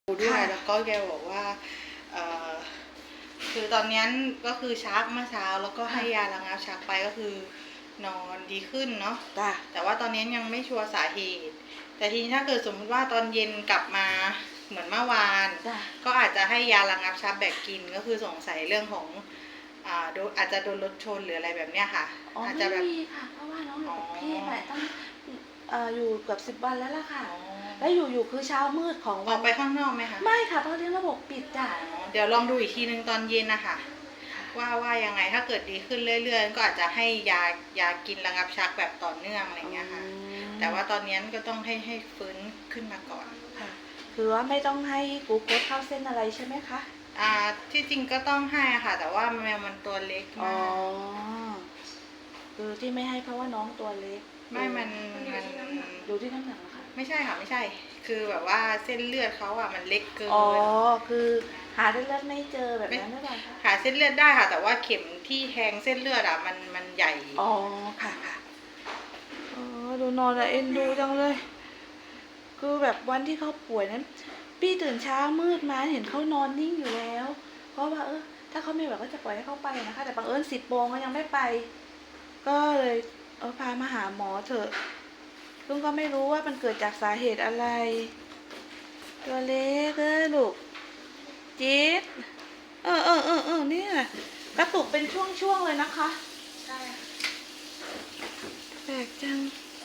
ด้วยแล้วก็แกบอกว่าคือตอนนี้ก็คือชักเมื่อเช้าแล้วก็ให้ยาระงับชักไปก็คือนอนดีขึ้นเนาะแต่ว่าตอนนี้ยังไม่ชัวร์สาเหตุแต่ทีนี้ถ้าเกิดสมมติว่าตอนเย็นกลับมาเหมือนเมื่อวานก็อาจจะให้ยาระงับชักแบบกินก็คือสงสัยเรื่องของอาจจะโดนรถชนหรืออะไรแบบเนี้ยค่ะอาจจะแบบไม่ค่ะเพราะว่าน้องอยู่กับพี่แหละตั้งอยู่เกือบ10 วันแล้วล่ะค่ะแล้วอยู่คือเช้ามืดของออกไปข้างนอกไหมคะไม่ค่ะเพราะเรื่องระบบปิดจ้ะเดี๋ยวลองดูอีกทีนึงตอนเย็นนะคะว่ายังไงถ้าเกิดดีขึ้นเรื่อยๆก็อาจจะให้ยากินระงับชักแบบต่อเนื่องอะไรเงี้ยค่ะแต่ว่าตอนนี้ก็ต้องให้ฟื้นขึ้นมาก่อนค่ะคือว่าไม่ต้องให้กลูโคสเข้าเส้นอะไรใช่ไหมคะที่จริงก็ต้องให้ค่ะแต่ว่าแมวมันตัวเล็กมากคือที่ไม่ให้เพราะว่าน้องตัวเล็กไม่มันดูที่น้ำหนักค่ะไม่ใช่ค่ะไม่ใช่คือแบบว่าเส้นเลือดเขามันเล็กเกินคือหาเส้นเลือดไม่เจอแบบนั้นหรือเปล่าคะหาเส้นเลือดได้ค่ะแต่ว่าเข็มที่แทงเส้นเลือดมันใหญ่ค่ะดูนอนแล้วเอ็นดูจังเลยคือแบบวันที่เขาป่วยนั้นพี่ตื่นเช้ามืดมาเห็นเขานอนนิ่งอยู่แล้วเพราะว่าถ้าเขาไม่แบบก็จะปล่อยให้เขาไปนะคะแต่บังเอิญ10 โมงเขายังไม่ไปก็เลยพามาหาหมอเถอะลุงก็ไม่รู้ว่ามันเกิดจากสาเหตุอะไรตัวเล็กลูกจี๊ดเนี่ยกระตุกเป็นช่วงๆเลยนะคะใช่แปลกจัง